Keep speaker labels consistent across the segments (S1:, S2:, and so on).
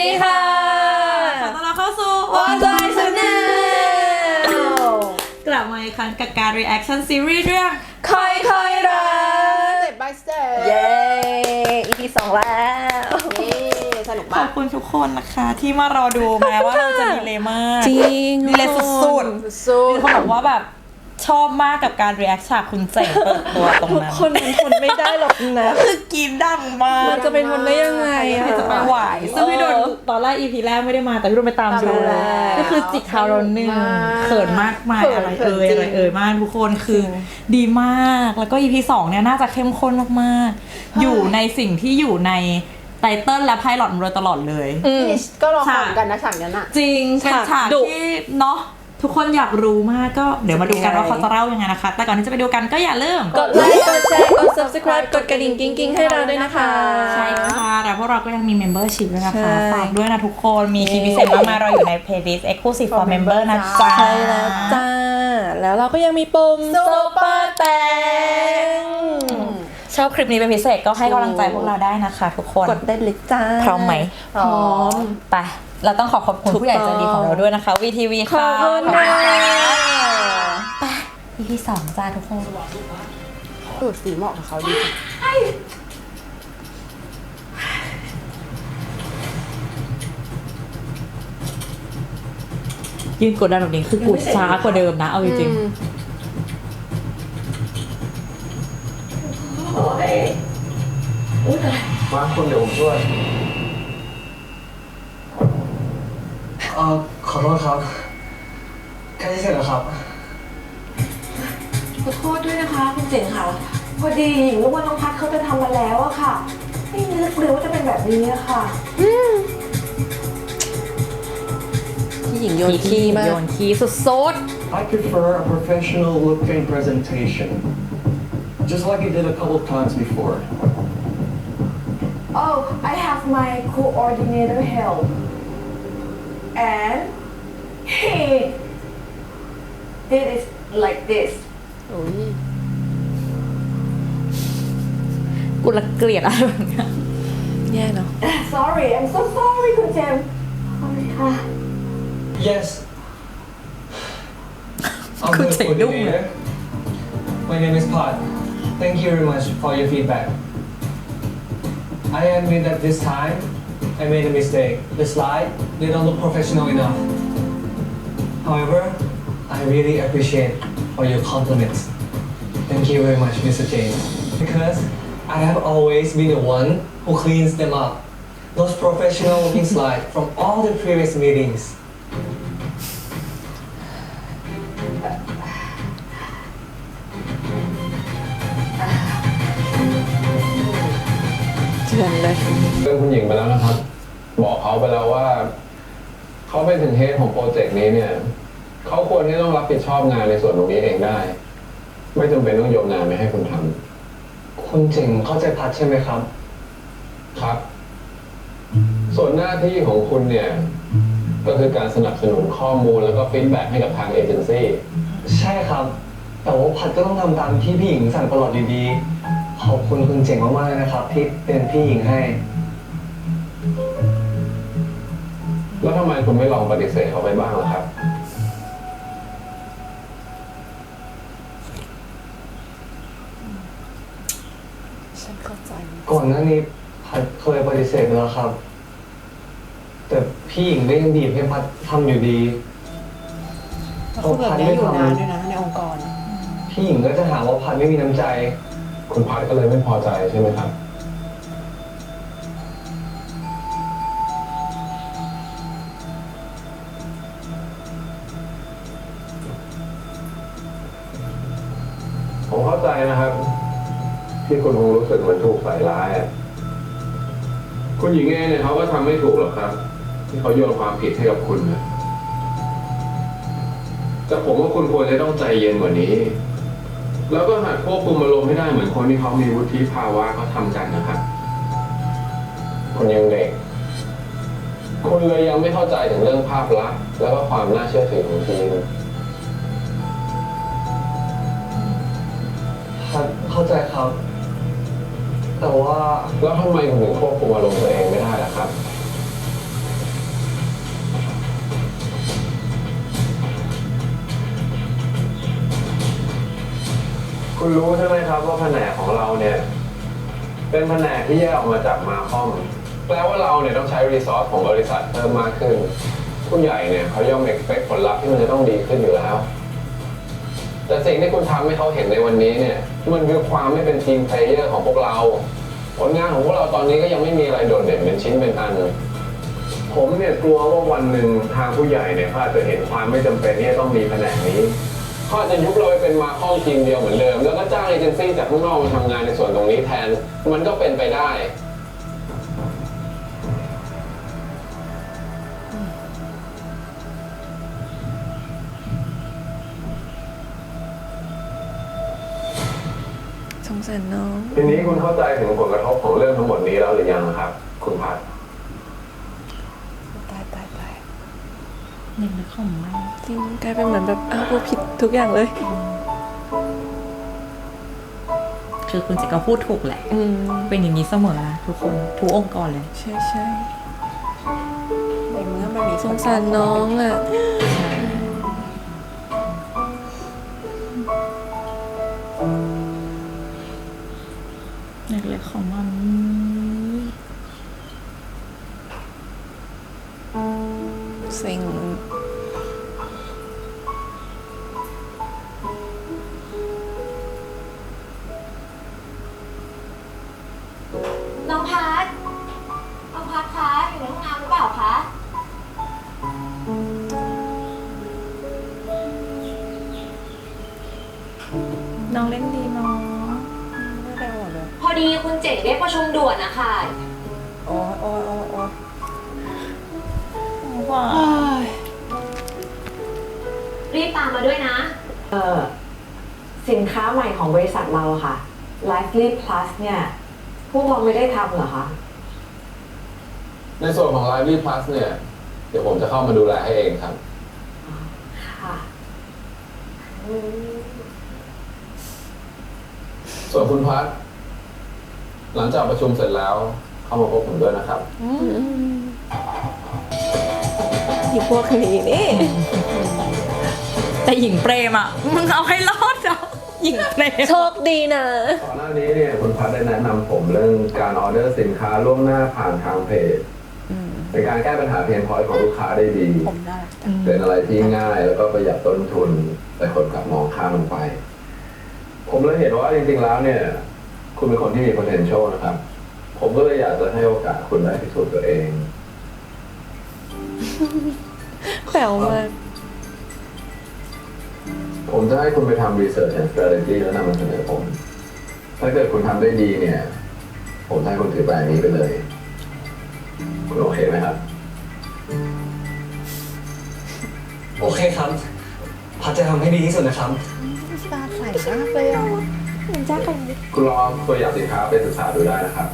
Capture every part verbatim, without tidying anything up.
S1: ดีค่ะขอต้อนรับเข้าสู่ One Joy Channel กลับมาอีกครั้งกับการ reaction series เรื่องคอยคอยรัก
S2: Step by Step
S1: เย้ อี พี สองแล้ว
S2: เย้สนุกมาก
S1: ขอบคุณทุกคนนะคะที่มารอดูแม้ว่าเราจะดีเลยมาก
S3: จริง
S1: ดีเลยสุดๆ
S2: สุด
S1: มีคนบอกว่าแบบชอบมากกับการ react ฉากคุณเจ๋งเปิดตัวตรง
S3: ทุก
S1: นั้น
S3: คนมันทนไม่ได้หรอกนะ
S1: คือกินดังมาก
S3: มันจะไปทนได้ยังไงอะ
S1: ใครจะไปไหวซึ่งพี่โดนตอนแรก อี พี แรกไม่ได้มาแต่พี่โดนไปตามดู
S2: ตามดูแล้ว
S1: ก็คือจิกเท้าเราหนึ่ง
S2: มาก
S1: เขินมากมาย
S2: เขิน
S1: อะไร
S2: เขิ
S1: เอ่
S2: น
S1: ย
S2: จริง
S1: อะไรเอ่ยมากทุกคนคือดีมากแล้วก็ อี พี สองเนี่ยน่าจะเข้มข้นมากๆอยู่ในสิ่งที่อยู่ในไตเติ้ลและไพลอตมาโดยตลอดเลย
S2: นี่ก็รอฟังกันนะฉากนั้นอ่ะ
S1: จริงเป็นฉาก
S3: ดุ
S1: ที่เนาะทุกคนอยากรู้มากก็เดี๋ยวมาดูกันว่าเขาจะเล่ายังไงนะคะ แต่ก่อนที่จะไปดูกันก็อย่าลืม
S3: กดไลค์ กดแชร์ กด subscribe กดกระดิ่งกิ๊งๆให้เราด้วยนะคะ
S1: ใช่ค่ะแล้วพวกเราก็ยังมี membership ด้วยนะคะ
S3: ใช่
S1: ฝากด้วยนะทุกคนมีคลิปพิเศษมากมายเราอยู่ใน playlist exclusive for member นะจ๊ะ
S3: ใช่แล้วจ้า แล้วเราก็ยังมีปุ่ม Super Thank
S1: ชอบคลิปนี้เป็นพิเศษก็ให้กำลังใจพวกเราได้นะคะทุกคน
S3: กดได้เลยจ้า
S1: พร้อมไหม
S3: พร้อม
S1: ไปเราต้องขอขอบคุณผู้ใหญ่ใจดีของเราด้วยนะคะ วี ที วี
S3: ขอ
S1: ค่ะ
S3: บคุณค่ะ
S1: ไป อี พี สองจ้าทุกคน
S2: ดูดสีเหมาะกับเขาดี
S1: ยืนกดดันแบบนี้คือกูช้ากว่าเดิมนะเอาจริง
S2: อืม
S4: มาคุณเดี๋ยวผมช่วยเอ่อขอโทษครับใกล้จะเสร็จแล้วครับ
S5: ขอโทษด้วยนะคะคุณเจ๋งค่ะ พอดีหญิงรู้ว่าน้องพัดเขาจะทำมาแล้วอะค่ะ ไม่นึกเลยว่าจะเป็นแบบนี้อะค่ะ
S3: พี่หญิงโยน
S1: ๆ
S3: ขี้มาก
S1: โยนขี้สุด
S4: I prefer a professional looking presentation just like you did a couple times before
S5: Oh I have my coordinator help and he did it like this
S2: โอ้ย
S1: ๆกูละเกลียดอะไรแบบเนี้ย
S3: แย่เนาะ
S5: Sorry I'm so sorry คุณเจมส์ sorry ค่ะ
S4: Yes I'm
S1: Good
S4: the
S1: thing, don't
S4: coordinator. My name is Pat. Thank you very much for your feedback. I admit that this time I made a mistake. The slide they don't look professional enough. However, I really appreciate all your compliments. Thank you very much, Mister James. Because I have always been the one who cleans them up. Those professional looking slides from all the previous meetings.
S3: เถื่อนเลย
S6: เรื่องคุณหญิงไปแล้วนะครับ บอกเขาไปแล้วว่า เขาเป็นถึงเฮดของโปรเจกต์นี้เนี่ย เขาควรที่ต้องรับผิดชอบงานในส่วนตรงนี้เองได้ ไม่จำเป็นต้องโยนงานไปให้คุณทำ
S4: คุณเจ๋งเข้าใจพัดใช่ไหมครับ
S6: ครับ ส่วนหน้าที่ของคุณเนี่ย ก็คือการสนับสนุนข้อมูลแล้วก็ฟีดแบ็กให้กับทางเอเจนซี่
S4: ใช่ครับ แต่ว่าพัดก็ต้องทำตามที่พี่หญิงสั่งตลอดดีๆ ขอบคุณคุณเจ๋งมากๆเลยนะครับ ที่เป็นพี่หญิงให้
S6: แล้วทำไมคุณไม่ลองปฏิเสธเขาไปบ้างล่ะครับ
S3: ฉันเข้าใจ
S4: ก่อนหน้านี้พัดเคยปฏิเสธไปแล้วครับ แต่พี่หญิงก็ยังบีบให้พัดทำอยู่ดี
S2: แล้วคือแบบเนี้ยอยู่นานด้วยนะในองค์กร
S4: พี่หญิงก็จะหาว่าพัดไม่มีน้ำใจ
S6: คุณพัดก็เลยไม่พอใจใช่ไหมครับ ผมเข้าใจนะครับ ที่คุณคงรู้สึกเหมือนถูกใส่ร้ายอะคุณหญิงเองเนี่ยเขาก็ทำไม่ถูกหรอกครับ ที่เขาโยนความผิดให้กับคุณนะแต่ผมว่าคุณควรจะต้องใจเย็นกว่านี้ แล้วก็หัดควบคุมอารมณ์ให้ได้เหมือนคนที่เขามีวุฒิภาวะเขาทำกันนะครับคุณยังเด็ก คุณเลยยังไม่เข้าใจถึงเรื่องภาพลักษณ์แล้วก็ความน่าเชื่อถือของทีม
S4: ครับเข้าใจครับ แต่ว่า
S6: แล้วทำไมคุณถึงควบคุมอารมณ์ตัวเองไม่ได้ล่ะครับคุณรู้ใช่ไหมครับว่าแผนกของเราเนี่ยเป็นแผนกที่แยกออกมาจากมาคอมแปลว่าเราเนี่ยต้องใช้รีซอสของบริษัทเพิ่มมากขึ้นผู้ใหญ่เนี่ยเขาย่อมเอ็กซ์เพคผลลัพธ์ที่มันจะต้องดีขึ้นอยู่แล้วแต่สิ่งที่คุณทำให้เขาเห็นในวันนี้เนี่ยมันคือความไม่เป็นทีมเพลเยอร์ของพวกเราผลงานของพวกเราตอนนี้ก็ยังไม่มีอะไรโดดเด่นเป็นชิ้นเป็นอันผมเนี่ยกลัวว่าวันหนึ่งทางผู้ใหญ่เนี่ยเขาอาจจะเห็นความไม่จำเป็นที่จะต้องมีแผนกนี้เขาอาจจะยุบเราไปเป็นมาคอมทีมเดียวเหมือนเดิมแล้วก็จ้างเอเจนซี่จากข้างนอกมาทำงานในส่วนตรงนี้แทนมันก็เป็นไปได้
S3: สงสารน้อง
S6: ทีนี้คุณเข้าใจถึงผลกระทบของเรื่องทั้งหมดนี้แล้วหรือยังครับคุณพัฒน์
S3: ตายตายตาย
S1: หนึ่งนึกของมัน
S3: จริงกลายเป็นเหมือนแบบอ้าวกูผิดทุกอย่างเลย
S1: คือคุณเจก็พูดถูกแหละ
S3: อืม
S1: เป็นอย่างนี้เสมอนะทุกคนทุกองค์กรเลย
S3: ใช่ใช่
S2: ในเมื่อมันมี
S3: สงสารน้องอ่ะ
S1: เล็กๆของมัน
S3: เซ็ง
S5: น้องพัดน้องพัดคะอยู่ในห้องน้ำหรือเปล่าคะ
S1: น้องเล่นดีเนาะ
S2: ไม่ได้หมดเลย
S5: พอดีคุณเจ๋งเรียกประชุมด่วนนะคะ
S2: โอ้ยโอ้ยโอ้ยโอ้ย
S1: ว้า
S5: รีบตามมาด้วยนะ เออสินค้าใหม่ของบริษัทเราค่ะ Lively Plus เนี่ย พวกเราไม่ได้ทำเหรอคะ
S6: ในส่วนของ Lively Plus เนี่ยเดี๋ยวผมจะเข้ามาดูแลให้เองครับ
S5: ค่ะ
S6: ส่วนคุณพัฒน์หลังจากประชุมเสร็จแล้วเข้ามาพบผมด้วยนะครับ
S3: อยู่พวกนี้นี่
S1: แต่หญิงเปรมอ่ะ มึงเอาให้รอดเนาะหญิงเปรม
S3: โชคดีนะ
S6: ก่อนหน้านี้เนี่ยคุณพัฒน์ได้แนะนำผมเรื่องการออเดอร์สินค้าล่วงหน้าผ่านทางเพจเป็นการแก้ปัญหาเพนพอยต์ของลูกค้าได้ดี
S2: ผมได้
S6: เป็นอะไรที่ง่ายแล้วก็ประหยัดต้นทุน แต่คนกลับมองข้ามลงไป ผมเลยเห็นว่าจริงๆแล้วเนี่ย คุณเป็นคนที่มี potential นะครับ ผมก็เลยอยากจะให้โอกาสคุณได้พิสูจน์ตัวเอง
S3: แปลวมาก
S6: ผมจะให้คุณไปทำ research and strategy แล้วนำมาเสนอผม ถ้าเกิดคุณทำได้ดีเนี่ย ผมจะให้คุณถือแบรนด์นี้ไปเลย คุณโอเคไหมครับ
S4: โอเคครับ พัดจะทำให้ดีที่สุดนะครับ
S2: ตาใสมากเลยอ่ะ
S6: คุณลองตัวอย่างสินค้าไปศึกษาดูได้นะครับ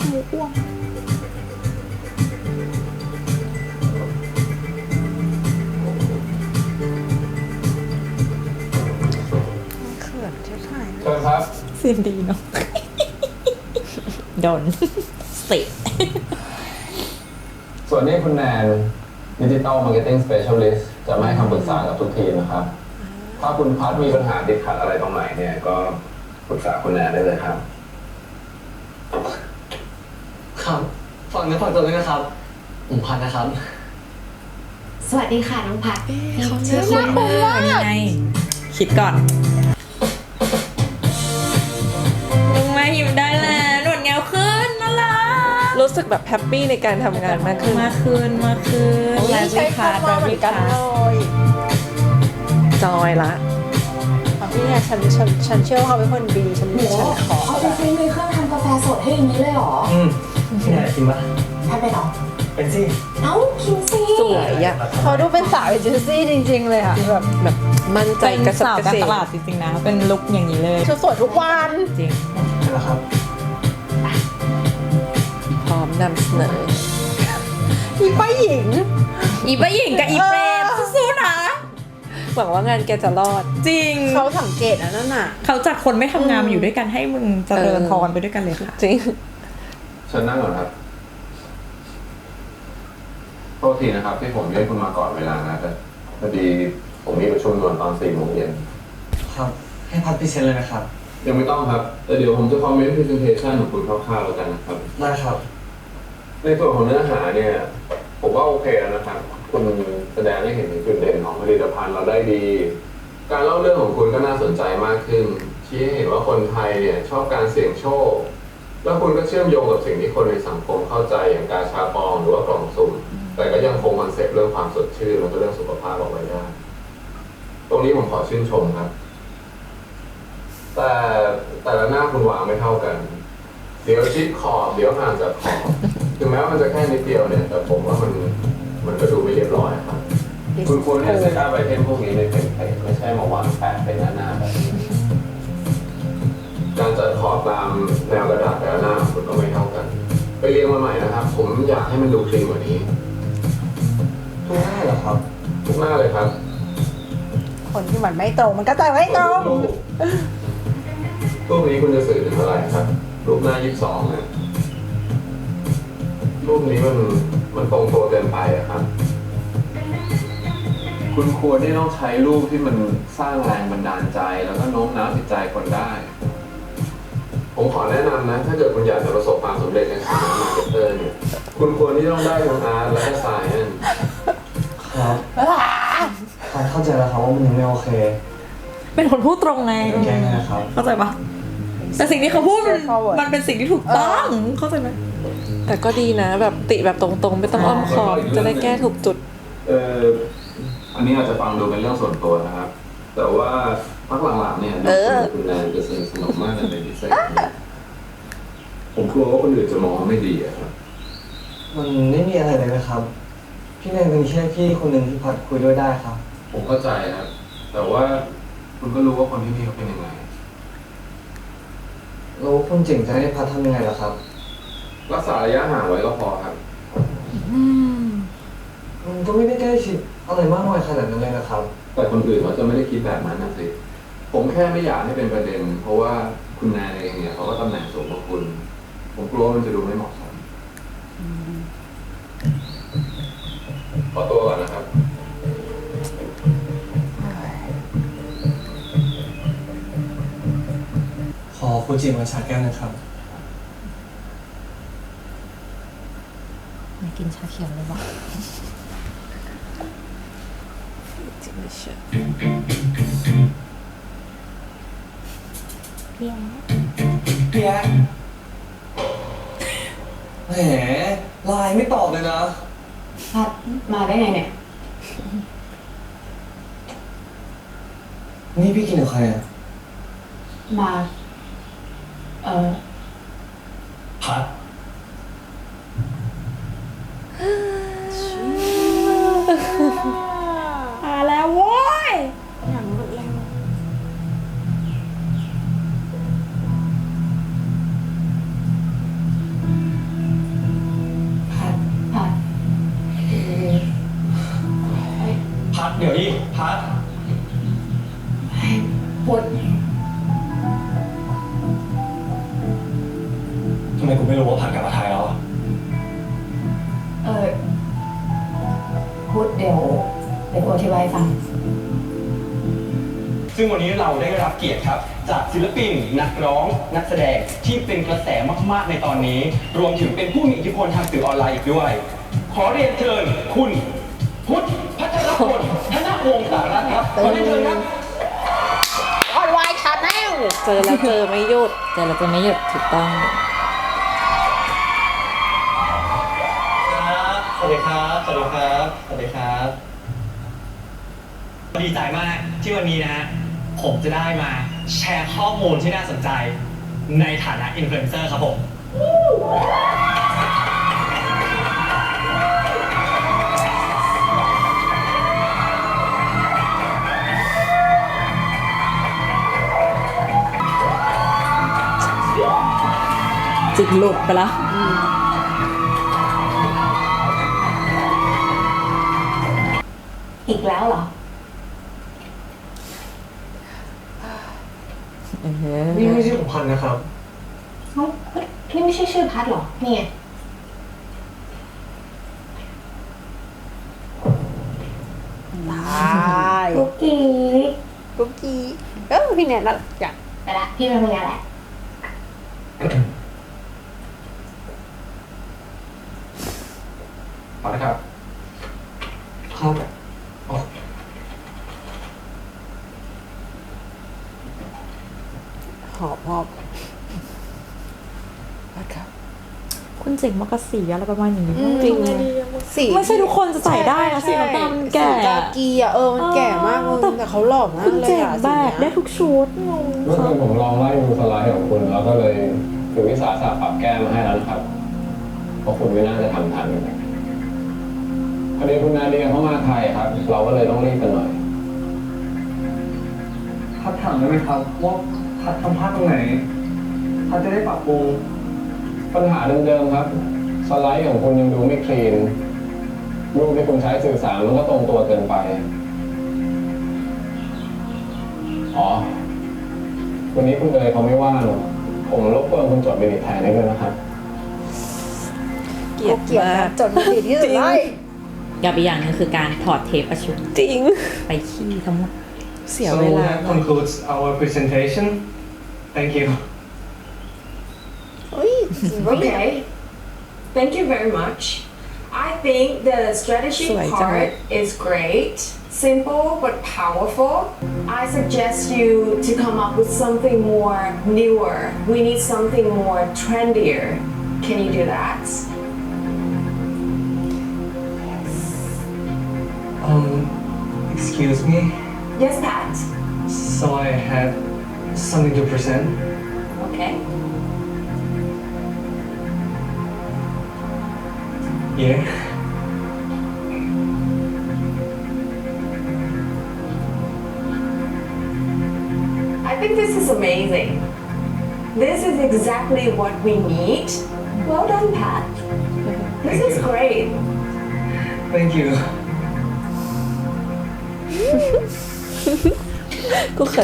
S2: เขินเท่าไหร่
S6: เชิญครับ
S1: เสียงดีเนาะ โดนสิ
S6: ส่วนนี้คุณแนน Digital Marketing Specialist จะมาให้คำปรึกษากับทุกทีมนะครับ ถ้าคุณพัดมีปัญหาติดขัดอะไรตรงไหนเนี่ย ก็ปรึกษาคุณแนนได้เลยครับ
S4: ครับฟังเนื้อฟังตัวด้วยนะครับผมพัดนะครับ
S5: สวัสดีค่ะน้องพัด
S3: เขา
S1: เชื่
S3: เชื่
S1: อ
S3: อ
S1: คุ
S3: คุณ ณ
S1: มากนี่ไง คิดก่อนมึงมาหิวได้แล้วหนวดเงาขึ้นน่ารัก
S3: รู้สึกแบบแฮปปี้ในการทำงานมากขึ้น
S1: มาคืนมาคืน
S2: โอ้ย
S1: แล้ว
S2: ใช้
S1: วิพา
S2: คำว่าเหมือนกันเลย
S3: จอยละ
S2: อ่ะพี่เนี่ยฉันฉันฉันเชื่อว่าเขาเป็นคนดีฉันฉันขอ
S5: เอาจริงๆมีเครื่องทำกาแฟสดให้อย่างนี้เลยเหรอ
S4: อืมพี่แนนกินปะ
S5: พัดไปเหรอ
S4: เป็นสิ
S5: เอ้าคิมซี่
S3: สวยอะ
S2: เขาดูเป็นสาวเอเจนซี่จริงๆเลยอ่ะแบบ
S3: แบบมั่นใจ
S1: เป็น
S3: กระสับ
S1: สาว
S3: กระ
S1: การ
S3: เฉ
S1: ต
S3: ง
S1: ลาดจริงๆนะ เป็นลุคอย่างนี้เลย
S2: ชุดสวยทุกวัน
S1: จริง
S4: นะครับ
S3: พร้อมนำเสนอ
S2: อีป้าหญิง
S1: อีป้าหญิงกับอีเปรมสู้ๆนะ
S3: หวังว่างานแกจะรอด
S1: จริง
S2: เขาสังเกตอันนั้นน่ะ
S1: เขาจากคนไม่ทำงานมาอยู่ด้วยกันให้มึงเจริญพรไปด้วยกันเลยค่ะ
S3: จริง
S6: เชิญนั่งก่อนครับ โทษทีนะครับ ที่ผมเรียกคุณมาก่อนเวลานะแต่พอดีผมมีประชุมด่วนตอนสี่โมงเย็น
S4: ครับ ให้พัดพรีเซนต์เลยนะครับ
S6: ยังไม่ต้องครับ แต่เดี๋ยวผมจะคอมเมนต์ presentation ของคุณคร่าวๆแล้วกันนะครับ
S4: ได้ครับ
S6: ในส่วนของเนื้อหาเนี่ย ผมว่าโอเคแล้วนะครับ คุณแสดงให้เห็นถึงจุดเด่นของผลิตภัณฑ์เราได้ดี การเล่าเรื่องของคุณก็น่าสนใจมากขึ้น ชี้ให้เห็นว่าคนไทยเนี่ยชอบการเสี่ยงโชค แล้วคุณก็เชื่อมโยงกับสิ่งที่คนในสังคมเข้าใจอย่างกาชาปองหรือว่ากล่องสุ่ม แต่ก็ยังคงคอนเซ็ปต์เรื่องความสดชื่นแล้วก็เรื่องสุขภาพเอาไว้ได้ ตรงนี้ผมขอชื่นชมครับ แต่แต่ละหน้าคุณวางไม่เท่ากัน เดี๋ยวชิดขอบเดี๋ยวห่างจากขอบถึงแม้ว่ามันจะแค่นิดเดียวเนี่ย แต่ผมว่ามันมันก็ดูไม่เรียบร้อยครับ คุณควรที่จะเซตอัพไอเทมพวกนี้ในเฟรมไม่ใช่มาวางแปะเป็นหน้าๆแบบนี้การจัดขอบตามแนวกระดาษแต่ละหน้าคุณก็ไม่เท่ากัน ไปเรียงมาใหม่นะครับ ผมอยากให้มันดูคลีนกว่านี้
S4: ทุกหน้าเหรอครับ
S6: ทุกหน้าเลยครับ
S2: คนที่มันไม่ตรงมันก็จะไม่ตรง
S6: รูปรูปนี้คุณจะสื่อถึงอะไรครับ รูปหน้ายี่สิบสองนะรูปนี้มันมันตรงตัวเกินไปอะครับ คุณควรที่ต้องใช้รูปที่มันสร้างแรงบันดาลใจ แล้วก็โน้มน้าวจิตใจคนได้ ผมขอแนะนำนะ ถ้าเกิดคุณอยากจะประสบความสำเร็จในฐานะมาร์เก็ตเตอร์เนี่ย คุณควรที่ต้องได้ทั้งอาร์ตและก็ไซเอนซ์
S4: ครับพัดเข้าใจแล้วครับว่ามันยังไม่โอเค
S1: เป็นคนพูดตรงไง
S4: แก้ไงนะครับ
S1: เข้าใจปะแต่สิ่งที่เขาพูดมันมันเป็นสิ่งที่ถูกต้องเข้าใจไหม
S3: แต่ก็ดีนะแบบติแบบตรงๆ ไม่ต้องอ้อมค้อมจะได้แก้ถูกจุด
S6: เอออันนี้อาจจะฟังดูเป็นเรื่องส่วนตัวนะครับ แต่ว่าพักหลังๆเนี่ยดูคุณแนนจะสนิทสนมมากในดีไซน์เนี่ยผมกลัวว่าคนอื่นจะมองว่าไม่ดีอะครับ
S4: มันไม่มีอะไรเลยนะครับ พี่แนนเป็นแค่พี่คนหนึ่งที่พัดคุยด้วยได้ครับ
S6: ผมเข้าใจครับ แต่ว่าคุณก็รู้ว่าคนที่นี่เขาเป็นยังไง
S4: แล้วคุณเจ๋งจะให้พัดทำยังไงล่ะครับ
S6: รักษาระยะห่างไว้ก็พอครับ
S4: มันก็ไม่ได้ใกล้ชิดอะไรมากมายขนาดนั้นเลยนะครับ
S6: แต่คนอื่นเขาจะไม่ได้คิดแบบนั้นนะสิ ผมแค่ไม่อยากให้เป็นประเด็น เพราะว่าคุณแนนเองเนี่ยเขาก็ตำแหน่งสูงกว่าคุณ ผมกลัวมันจะดูไม่เหมาะสมขอตัวก่อนนะครับ
S4: ขอฟูจิมาชาแก้วนะครับ
S1: ไม่กินชาเขียวเลยว่ะ
S4: พี่แอ๊ะแหมไลน์ไม่ตอบเลยนะ
S5: พัดมาได้ไงเนี่ย
S4: นี่พี่กินกับใครอ่ะ
S5: มา เออ
S4: พัด
S1: มาแล้วโว้ย
S5: พัด พัด
S4: พัดเดี๋ยวดิพัด
S5: พุทธ
S4: ทำไมกูไม่รู้ว่าพัดกลับมาไทยแล้วอะ
S5: เออพุทธเดี๋ยวเดี๋ยวกูอธิบายให้ฟัง
S7: ซึ่งวันนี้เราได้รับเกียรติครับ จากศิลปินนักร้องนักแสดงที่เป็นกระแสมากๆในตอนนี้ รวมถึงเป็นผู้มีอิทธิพลทางสื่อออนไลน์อีกด้วย ขอเรียนเชิญคุณพุทธพัชรพลธนวงศ์สารัตน์ครับขอเรียนเชิญครับ
S2: ออนไลน์ชาแนล
S3: เจอแล้วเจอไม่หยุด
S1: แต่เราจะไม่หยุดถูกต้อง
S7: สวัสดีครับ สวัสดีครับ สวัสดีครับ ดีใจมากที่วันนี้นะฮะผมจะได้มาแชร์ข้อมูลที่น่าสนใจในฐานะอินฟลูเอนเซอร์ครับผม
S1: จิตหลุดไปละ
S5: อีกแล้วเหรอ
S4: นี่ไม่ใช่ของพันนะครับ
S5: เอ้านี่ไม่ใช่ชื่อพัดเหรอ นี่ไง
S2: ตาย
S5: กุ๊กกี้
S2: กุ๊กกี้เออพี่แนนน่ารักจัง
S5: ไปละพี่ไปทำงานแหละ
S6: พอนะครับ
S4: ครับอ๋อ
S2: หอบหอบครับ
S1: คุณเจ๋งมากกับสีอะไรประมาณนี้
S2: จริงสี
S1: ไม่ใช่ทุกคนจะใส่ได้นะสีน้ำตาลมันแก่
S2: สีกากีอ่ะเออมันแก่มากมึงแต่เขาหล่อมาก
S1: คุณ
S2: เลย
S1: เจ๋ง
S2: อ่ะ
S1: แบ
S2: สี
S1: ก
S2: เนี้
S1: ได้
S2: ย
S1: ทุกชุดงง
S6: เมื่อคืนผมลองไล่ดูสไลด์ของคุณแล้วก็เลยถือวิสาสะปรับแก้มาให้แล้วนะครับ เพราะคุณไม่น่าจะทำทันพอดีคุณนาเดียเข้ามาไทยครับ เราก็เลยต้องรีบกันหน่อย
S4: พัดถามได้ไหมครับว่าพัดทำพลาดตรงไหนพัดจะได้ปรับปรุง
S6: ปัญหาเดิมๆครับ สไลด์ของคุณยังดูไม่คลีนรูปที่คุณใช้สื่อสารมันก็ตรงตัวเกินไป อ๋อ วันนี้คุณเอ๋ยเขาไม่ว่างผมรบกวนคุณจดมินิแทนให้ด้วยนะครับ
S2: เกลียดเกลียดนะจดไม่ดีที่สุดเลย
S1: กับอีกอย่างหนึงคือการถอดเทปประชุม
S3: จริง
S1: ไปขี้ทั้งหมด
S3: เสีย
S4: So
S3: เวลา
S4: that concludes our presentation. Thank you.
S5: Okay. Thank you very much. I think the strategy
S3: สวยจังเลย
S5: part is great. Simple but powerful. I suggest you to come up with something more newer. We need something more trendier. Can you do that?
S4: Um, excuse me.
S5: Yes, Pat.
S4: So I have something to present.
S5: Okay.
S4: Yeah.
S5: I think this is amazing. This is exactly what we need. Well done, Pat. This
S4: Thank
S5: is
S4: you.
S5: great.
S4: Thank you.
S3: กูเขิน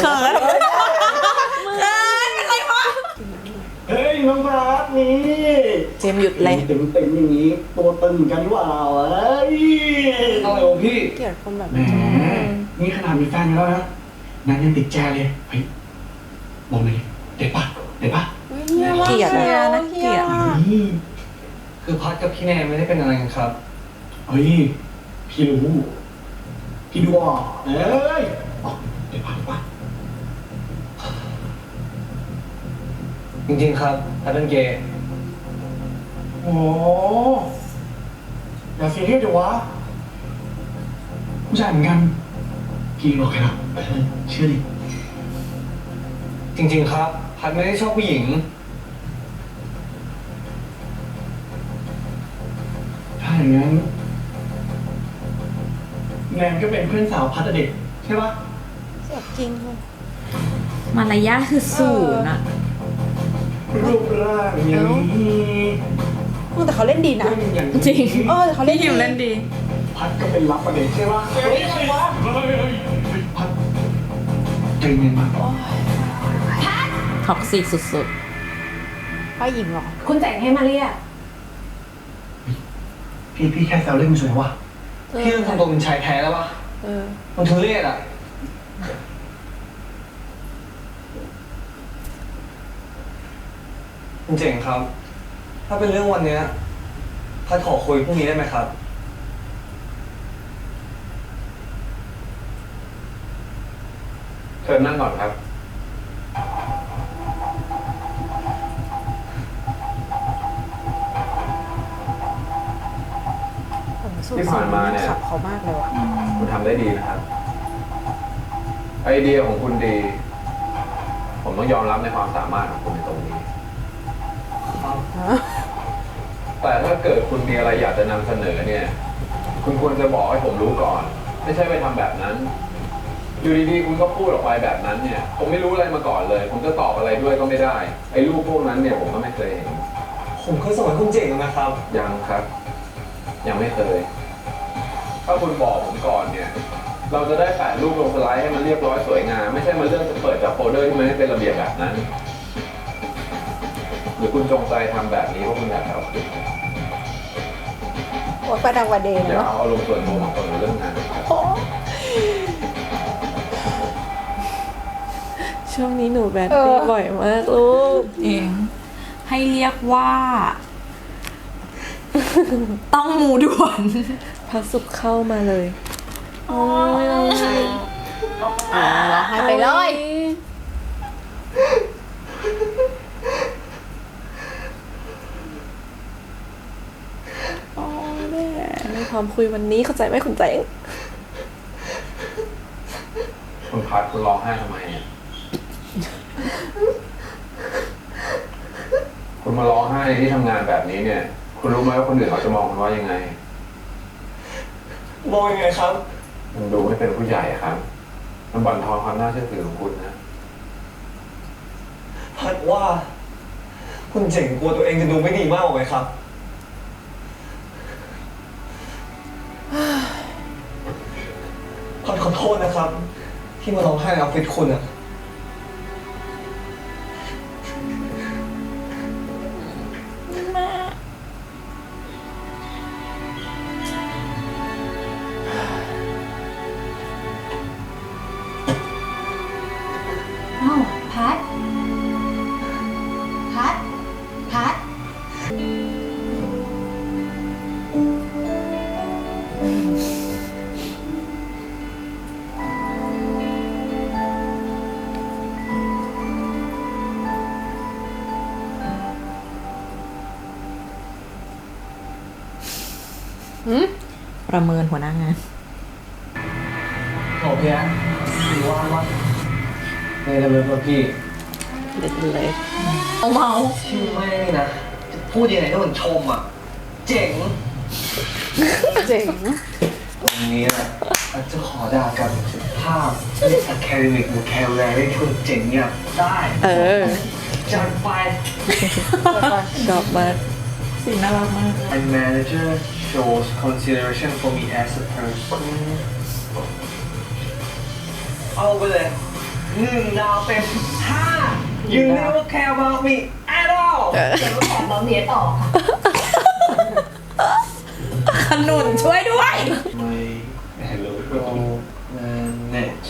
S8: เฮ้ยน้องรักนี่
S3: เจมส์หยุดเลย
S8: เต็มเต็มๆอย่างนี้ ตัวตึงเหมือนกันนี่หว่าเอ้ย
S4: อะไรของพี่
S2: เกลียดคนแบบ
S8: แหมนี่ขนาดมีแฟนอยู่แล้วนะนั้นยังติดแจเลยเฮ้ยบอกเลยเด็ดปะเด็ดปะ
S3: เกลียด
S2: เฮี
S3: อะ
S2: ย
S3: นะ
S2: เฮี
S3: เกลี
S2: ย
S3: ยด
S8: นี่
S4: คือพัดกับพี่แนนไม่ได้เป็นอะไรกันครับ
S8: เฮ้ยพี่รู้พี่ดูออกเอ้ยอ๋อเด็ดปะเด็ดปะ
S4: จริงๆครับพัดเป็นเกย์
S8: โอ้อย่าเสียเรียสเดี๋ยววะผู้ชายเหมือนกันพี่บอกแค่นั้นเออเชื่อดิ
S4: จริงๆครับพัดไม่ได้ชอบผู้หญิง
S8: ถ้าอย่างนั้นแนนก็เป็นเพื่อนสาวพัดอะเด็กใช่ปะ
S2: เสียจริงเลย
S1: มารยาทคือศูนย์อะ
S8: รูปร่างอย่างนี้
S2: มึงแต่เขาเล่นดีนะ
S8: อย่าง
S1: จริง
S2: เออแต่เขาเล่น
S1: พี่
S2: ดี
S1: หิวเล่นดี
S8: พัดก็เป็นรับประเด็นใช่ปะเฮ้ยอะไรวะพัดใจเย็นมาก
S1: ท็อกซิกสุด
S2: ป้าหญิงเหรอ
S5: คุณแต่งให้มาเรียก
S8: พี่พี่แค่แซวเล่นมันสวยวะ
S4: พี่ต้องทำตัวเป็นชายแท้แล้วปะ
S2: เออ
S4: มันทุเรศอ่ะ คุณเจ๋งครับ ถ้าเป็นเรื่องวันเนี้ยพัดขอคุยพรุ่งนี้ได้ไหมครับ
S6: เชิญนั่งก่อนครับ ที่ผ่านมาเนี่ย
S2: ขับเขามากเลยว่ะ
S6: คุณทำได้ดีนะครับ ไอเดียของคุณดี ผมต้องยอมรับในความสามารถของคุณในตรงนี้ แต่ถ้าเกิดคุณมีอะไรอยากจะนำเสนอเนี่ย คุณควรจะบอกให้ผมรู้ก่อน ไม่ใช่ไปทำแบบนั้น อยู่ดีๆคุณก็พูดออกไปแบบนั้นเนี่ย ผมไม่รู้อะไรมาก่อนเลย ผมจะตอบอะไรด้วยก็ไม่ได้ ไอ้รูปพวกนั้นเนี่ยผมก็ไม่เคยเห็น
S4: ผมเคยส่งให้คุณเจ๋งแล้วนะครับ
S6: ยังครับ ยังไม่เคย ถ้าคุณบอกผมก่อนเนี่ย เราจะได้แปะรูปลงสไลด์ให้มันเรียบร้อยสวยงาม ไม่ใช่มาเลือกจะเปิดจากโฟลเดอร์ที่มันไม่เป็นระเบียบแบบนั้น หรือคุณจงใจทำแบบนี้เพราะคุณอยากเอาคืน
S2: โอ้ยประดังวันเดย์
S6: อย่า
S2: เนาะ
S6: เอาอารมณ์ส่วนตัวมาคนในเรื่องงานครับ
S2: ช
S3: ช่วงนี้หนูแบดดี้บ่อยมากลูก
S1: เองให้เรียกว่า ต้องมูด่วน
S3: พระสุขเข้ามาเลย
S2: อ่าร้องไห้ไปเลย
S3: อ๋อแม่ไม่พร้อมคุยวันนี้เข้าใจไหมคุณแจง
S6: คุณพัดคุณร้องไห้ทำไมเนี่ย คุณมาร้องไห้ในที่ทำงานแบบนี้เนี่ย คุณรู้ไหมว่าคนอื่นเขาจะมองคุณว่ายังไง
S4: มองยังไงครับ
S6: มันดูไม่เป็นผู้ใหญ่ครับ มันบั่นทอนความน่าเชื่อถือของคุณนะ
S4: พัดว่า คุณเจ๋งกลัวตัวเองจะดูไม่ดีมากกว่าไหมครับ พัดขอโทษนะครับ ที่มาร้องไห้ในออฟฟิศคุณอะ
S5: อ้าวพัด พัด พัด
S1: ประเมินหัวหน้างาน
S4: โอเคนะถือว่าว่าในระเบิดว่าพี่
S3: เด็ดเลย
S1: เมา
S4: ที่ไม่นะจะพูดยังไงให้มันชมอ่ะ เจ๋ง
S2: เจ๋ง
S4: วันนี้อ่ะอาจจะขอด่ากับสุภาพเรียก academic vocabulary ที่คุณเจ๋งเนี่ยได้
S3: เออ
S4: จัดไป
S3: ชอบมาก
S1: สีน่ารักมาก
S4: And manager shows consideration for me as a person เอาไปเลยหนึ่งดาวเต็มห้า You never care about me at all
S5: แต่ว่าแถมบอมเนียต่อค่ะ
S1: ขนุนช่วยด้วย
S4: My hello manage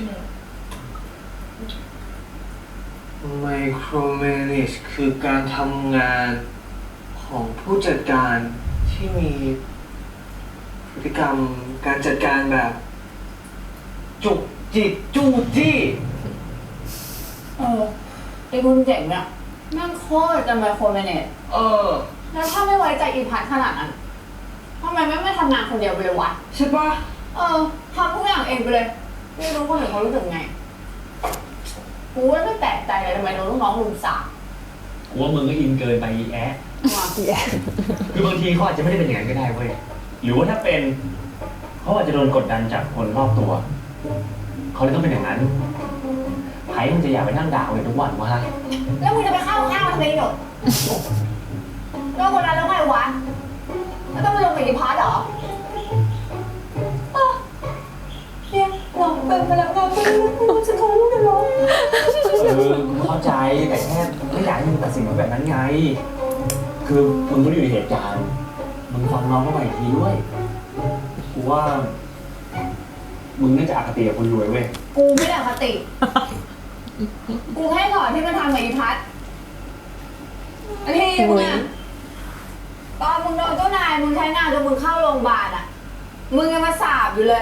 S4: micromanage คือการทำงานของผู้จัดการที่มีพฤติกรรมการจัดการแบบ จุกจิกจู้จี้
S5: เออไอ้คุณเจ๋งอะแม่งโคตรจะไมโครแมเนจ
S4: เออ
S5: แล้วถ้าไม่ไว้ใจอีพัทขนาดนั้นทำไมไม่ไม่ทำงานคนเดียวไปเลยวะ
S4: ใช่ปะ
S5: เออทำทุกอย่างเองไปเลย ไม่รู้คนอื่นเขารู้สึกไง กูว่าไม่แปลกใจเลยทำไมโดนลูกน้องลุมสาบ
S7: กูว่ามึงก็อินเกินไปอีแอะ
S5: มา
S7: คือบางทีเขาอาจจะไม่ได้เป็นอย่างนั้นก็ได้เว้ย หรือว่าถ้าเป็นเขาอาจจะโดนกดดันจากคนรอบตัว เขาเลยต้องเป็นอย่างนั้นไผ่มันจะอยากไปนั่งด่าเลยทุกวันวะ
S5: แล้วมึงจะไปเข้าข้างมันทำไมหนกแล้วคนนั้นแล้วไงวะแล้วต้องไปลงกับอีพัทเหรออ้าวเนี่ยหลอกเป็นพนักงานเป็นลูกฉันขอลูกกันหรอ
S7: เออกูเข้าใจแต่แค่ไม่อยากให้มึงตัดสินแบบนั้นไง คือมึงก็อยู่ในเหตุการณ์ มึงฟังน้องเข้าไปอีกทีด้วย กูว่า มึงน่าจะอคติกับคนรวยเว้ย
S5: กูไม่ได้อคติ กูแค่ถอนที่มันทำกับอีพัทอันที่มึงอะตอนมึงโดนเจ้านายมึงใช้งานจนมึงเข้าโรงพยาบาลอะมึงยังมาสาบอยู่เลย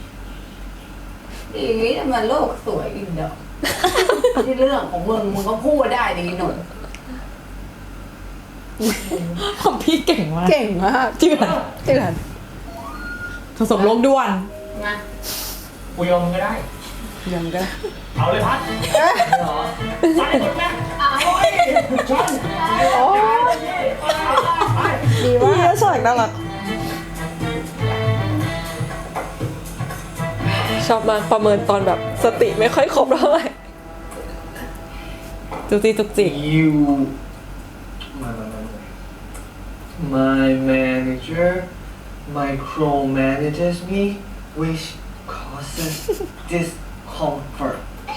S5: อีนี้แต่มันโลกสวยอีกเด้อ ที่เรื่องของมึงมึงก็พูดได้ดีหน่อย
S1: ของพี่เก่งมาก
S2: เก่งมาก
S1: เจือน
S2: เจือน
S1: ผสมโลกด่วน
S5: นะ
S7: กูยอมมึงก็ได้
S2: ยังก็ได้
S7: เอาเลยพัดเหรอใส่หมดแม่
S5: อ้าว
S7: ชน
S2: โอ้ดีว่า
S3: พี่ฉากน่ารักชอบมากประเมินตอนแบบสติไม่ค่อยครบเท่าไหร่
S1: จุกจิกจุกจิก
S4: You My manager micromanages me which causes discomfort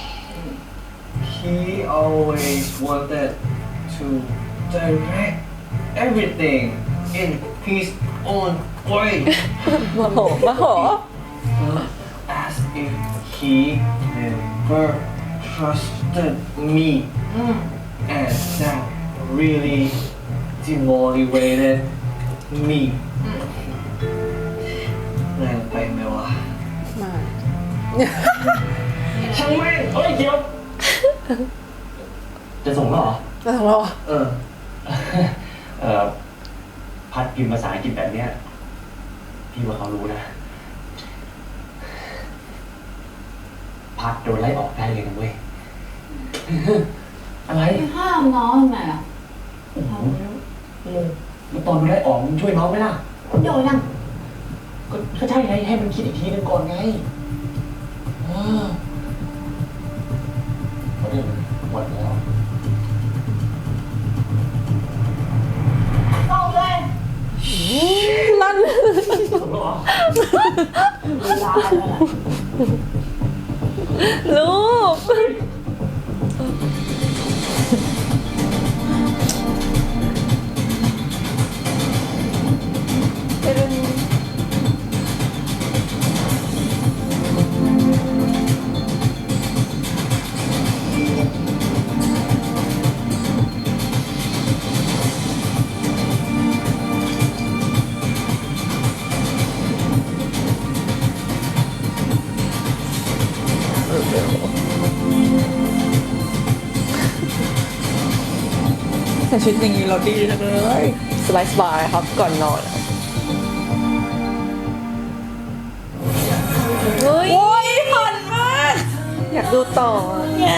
S4: He always wanted to direct everything in his own way
S3: มาโหมาโห
S4: as if he never trusted me and that really demotivated me แรงไปไหมวะ
S2: มา
S7: ช่างแม่งเฮ้ยเดี๋ยว จะส่งแล้วเหรอ
S2: มาของเรา
S4: เออ
S7: เอ่อ พัดพิมพ์ภาษาอังกฤษแบบเนี้ย พี่ว่าเขารู้นะ พัดโดนไล่ออกได้เลยนะเว้ย อะไร
S5: ห้ามน้องทำไมอ่ะ
S7: แล้วตอนมันไล่ออกมึงช่วยน้องไหมล่ะ
S5: โยนยัง
S7: ก็ก็ใช่ไงให้มันคิดอีกทีนึงก่อนไงเออเพราะเดี๋ยวมันหมดแล้ว
S5: ส่งเลย
S2: ลั่น
S7: ส่งแล้วเหรอ
S5: เวลาแล้ว
S3: ลูก
S1: แต่ชุดอย่างนี้เราดีจังเลย
S3: สบายสบายๆครับก่อนนอนเฮ้ย
S1: โอ้ยผ่อนมาก
S3: อยากดูต่อ
S1: เนี่ย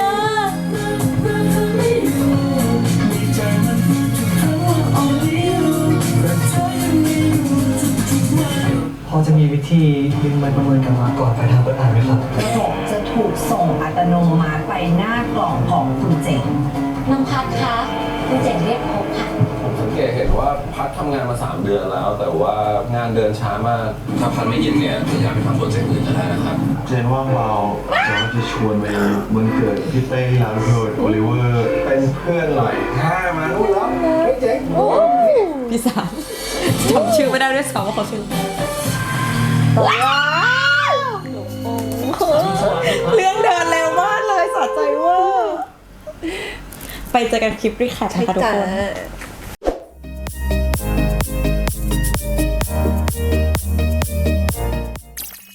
S4: พอจะมีวิธีดึงใบประเมินกลับมาก่อนไปทางเปิดอ่านไหมครับ
S9: ระบบจะถูกส่งอัตโนมัติไปหน้ากล่องของคุณเจ๋ง
S5: น้องพัดคะคุณเจ๋งเรียกพบค่ะ
S6: ผมสังเกตเห็นว่าพัดทำงานมาสามเดือนแล้ว แต่ว่างานเดินช้ามาก ถ้าพัดไม่ยินเนี่ยจะย้ายไปทำโปรเจกต์อื่นก็ได้นะครับ
S10: เจนว่างเบาจะว่าจะชวนไปวันเกิดพี่เต้ลาโรดโอลิเวอร์เป็นเพื่อนหน่อยถ้ามานู่นแล้วไม่เจ๊ง
S1: พี่สามจำชื่อไม่ได้ด้วยซ้ำว่าเขาชื่อเรื่องเดินเร็วมากเลยสะใจเว่าไปเจอกันคลิปรีแคปนะคะทุกคน